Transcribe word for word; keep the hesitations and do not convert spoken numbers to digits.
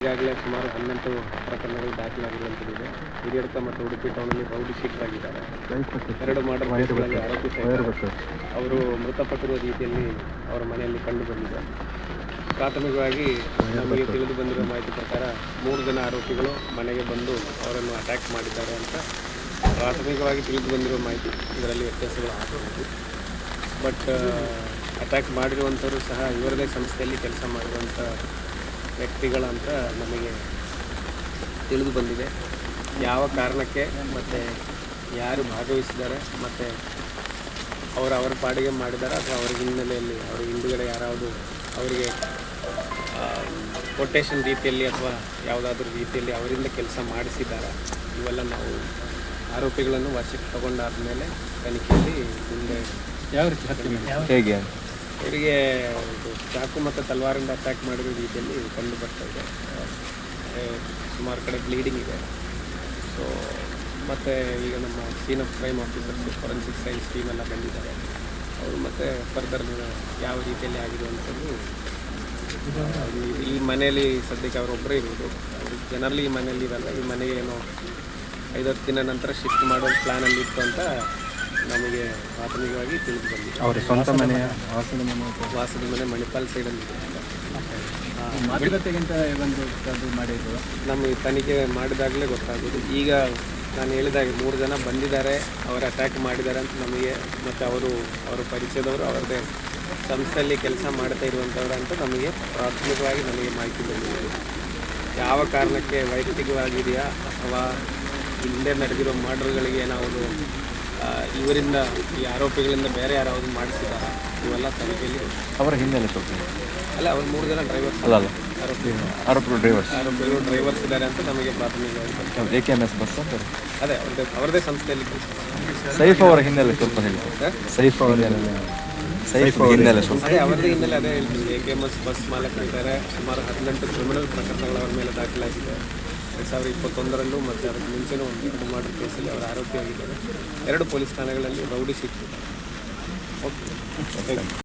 ಈಗಾಗಲೇ ಸುಮಾರು ಹನ್ನೊಂದು ಪ್ರಕರಣಗಳು ದಾಖಲಾಗಿರುವಂಥದ್ದಿದೆ. ಹಿರಿಯಡ್ಕ ಮತ್ತು ಉಡುಪಿ ಟೌನಲ್ಲಿ ರೌಡಿ ಶೀಟರ್ ಆಗಿದ್ದಾರೆ. ಎರಡು ಮರ್ಡರ್ ಕೇಸ್ಗಳಲ್ಲಿ ಆರೋಪಿ ಸಹಿತ ಅವರು ಮೃತಪಟ್ಟಿರುವ ರೀತಿಯಲ್ಲಿ ಅವರ ಮನೆಯಲ್ಲಿ ಕಂಡು ಬಂದಿದೆ. ಪ್ರಾಥಮಿಕವಾಗಿ ನಮಗೆ ತಿಳಿದು ಬಂದಿರುವ ಮಾಹಿತಿ ಪ್ರಕಾರ ಮೂರು ಜನ ಆರೋಪಿಗಳು ಮನೆಗೆ ಬಂದು ಅವರನ್ನು ಅಟ್ಯಾಕ್ ಮಾಡಿದ್ದಾರೆ ಅಂತ ಪ್ರಾಥಮಿಕವಾಗಿ ತಿಳಿದು ಬಂದಿರುವ ಮಾಹಿತಿ. ಇದರಲ್ಲಿ ವ್ಯತ್ಯಾಸಗಳು ಆಗಬಹುದು. ಬಟ್ ಅಟ್ಯಾಕ್ ಮಾಡಿರುವಂಥವರು ಸಹ ಇವರದೇ ಸಂಸ್ಥೆಯಲ್ಲಿ ಕೆಲಸ ಮಾಡಿರುವಂಥ ವ್ಯಕ್ತಿಗಳಂತ ನಮಗೆ ತಿಳಿದು ಬಂದಿದೆ. ಯಾವ ಕಾರಣಕ್ಕೆ ಮತ್ತು ಯಾರು ಭಾಗವಹಿಸಿದ್ದಾರೆ ಮತ್ತು ಅವರು ಅವರ ಪಾಡಿಗೆ ಮಾಡಿದ್ದಾರೆ ಅಥವಾ ಅವರ ಹಿನ್ನೆಲೆಯಲ್ಲಿ ಅವರ ಹಿಂದುಗಡೆ ಯಾರಾವುದು ಅವರಿಗೆ ಕೊಟೇಶನ್ ರೀತಿಯಲ್ಲಿ ಅಥವಾ ಯಾವುದಾದ್ರೂ ರೀತಿಯಲ್ಲಿ ಅವರಿಂದ ಕೆಲಸ ಮಾಡಿಸಿದ್ದಾರೆ, ಇವೆಲ್ಲ ನಾವು ಆರೋಪಿಗಳನ್ನು ವಶಕ್ಕೆ ತಗೊಂಡಾದ ಮೇಲೆ ತನಿಖೆಯಲ್ಲಿ ಮುಂದೆ ಯಾವ ರೀತಿ ಹೇಗೆ ಅವರಿಗೆ ಚಾಕು ಮತ್ತು ತಲವಾರಿಂದ ಅಟ್ಯಾಕ್ ಮಾಡಿರೋ ರೀತಿಯಲ್ಲಿ ಕಂಡು ಬರ್ತಾ ಇದೆ. ಸುಮಾರು ಕಡೆ ಬ್ಲೀಡಿಂಗ್ ಇದೆ. ಸೊ ಮತ್ತು ಈಗ ನಮ್ಮ scene of crime officers forensic science team ಎಲ್ಲ ಬಂದಿದ್ದಾರೆ. ಅವರು ಮತ್ತು ಫರ್ದರ್ ಯಾವ ರೀತಿಯಲ್ಲಿ ಆಗಿರುವಂಥದ್ದು ಈ ಮನೆಯಲ್ಲಿ ಸದ್ಯಕ್ಕೆ ಅವರೊಬ್ಬರೇ ಇರೋದು. ಅವರು ಜನರಲಿ ಈ ಮನೆಯಲ್ಲಿ ಇರಲ್ಲ. ಈ ಮನೆಗೆ ಏನೋ ಐದತ್ತು ದಿನ ನಂತರ ಶಿಫ್ಟ್ ಮಾಡೋ ಪ್ಲ್ಯಾನಲ್ಲಿ ಇತ್ತು ಅಂತ ನಮಗೆ ಪ್ರಾಥಮಿಕವಾಗಿ ತಿಳಿದು ಬಂದಿದೆ. ಅವರ ಸ್ವಂತ ಮನೆ ವಾಸದ ಮನೆ ವಾಸದ ಮನೆ ಮಣಿಪಾಲ್ ಸೈಡಲ್ಲಿ ಇದೆ. ಮಾತುಕತೆಗಿಂತ ಒಂದು ಅದು ಮಾಡಿದ್ದು ನಮಗೆ ತನಿಖೆ ಮಾಡಿದಾಗಲೇ ಗೊತ್ತಾಗೋದು. ಈಗ ನಾನು ಹೇಳಿದಾಗ ಮೂರು ಜನ ಬಂದಿದ್ದಾರೆ, ಅವರು ಅಟ್ಯಾಕ್ ಮಾಡಿದ್ದಾರೆ ಅಂತ ನಮಗೆ, ಮತ್ತು ಅವರು ಅವರ ಪರಿಚಯದವರು ಅವರದೇ ಸಂಸ್ಥೆಯಲ್ಲಿ ಕೆಲಸ ಮಾಡ್ತಾ ಇರುವಂಥವ್ರು ಅಂತ ನಮಗೆ ಪ್ರಾಥಮಿಕವಾಗಿ ನಮಗೆ ಮಾಹಿತಿ ಬಂದಿದೆ. ಯಾವ ಕಾರಣಕ್ಕೆ ವೈಯಕ್ತಿಕವಾಗಿದೆಯಾ ಅಥವಾ ಹಿಂದೆ ನಡೆದಿರೋ ಮರ್ಡರ್ಗಳಿಗೆ ಏನಾವುದು ಇವರಿಂದ ಈ ಆರೋಪಿಗಳಿಂದ ಬೇರೆ ಯಾರಾவது ಮಾಡಿಸಿದಾರ, ಇವೆಲ್ಲ ತನಿಖೆಯಲ್ಲಿ ಅವರ ಹಿನ್ನೆಲೆ ಸ್ವಲ್ಪ ಅಲ್ಲ. ಅವ್ರು ಮೂರು ಜನ ಡ್ರೈವರ್ಸ್ ಅಲ್ಲ ಅಲ್ಲ ಆರೋಪಿಗಳು ಆರೋಪಿಗಳು ಡ್ರೈವರ್ಸ್ ಆರೋಪಿಗಳು ಡ್ರೈವರ್ಸ್ ಇದ್ದಾರೆ ಅಂತ ನಮಗೆ ಪ್ರಾಥಮಿಕವಾಗಿ. A K M S bus ಅಂತಾರೆ. ಅದೇ ಅವ್ರದ್ದೇ ಅವರದೇ ಸಂಸ್ಥೆಯಲ್ಲಿ ಕೆಲಸ. ಸೈಫ್ ಅವರ ಹಿನ್ನೆಲೆ ಸ್ವಲ್ಪ ಹೇಳಿ. ಸೈಫ್ ಅವರ ಸೈಫ್ ಹಿನ್ನೆಲೆ ಸ್ವಲ್ಪ ಅದೇ ಅವರದೇ ಹಿನ್ನೆಲೆ ಅದೇ ಹೇಳ್ತೀನಿ. A K M S bus ಮಾಲಕರಿದ್ದಾರೆ. ಸುಮಾರು ಹದಿನೆಂಟು ಕ್ರಿಮಿನಲ್ ಪ್ರಕರಣಗಳು ಅವರ ಮೇಲೆ ದಾಖಲಾಗಿದೆ. ಎರಡು ಸಾವಿರದ ಇಪ್ಪತ್ತೊಂದರಲ್ಲೂ ಮತ್ತು ಅದಕ್ಕೆ ಮುಂಚೆನೂ ಒಂದು ಎರಡು ಮರ್ಡರ್ ಕೇಸಲ್ಲಿ ಅವರು ಆರೋಪಿಯಾಗಿದ್ದಾರೆ. ಎರಡು ಪೊಲೀಸ್ ಠಾಣೆಗಳಲ್ಲಿ rowdy sheeter. Okay, thank you.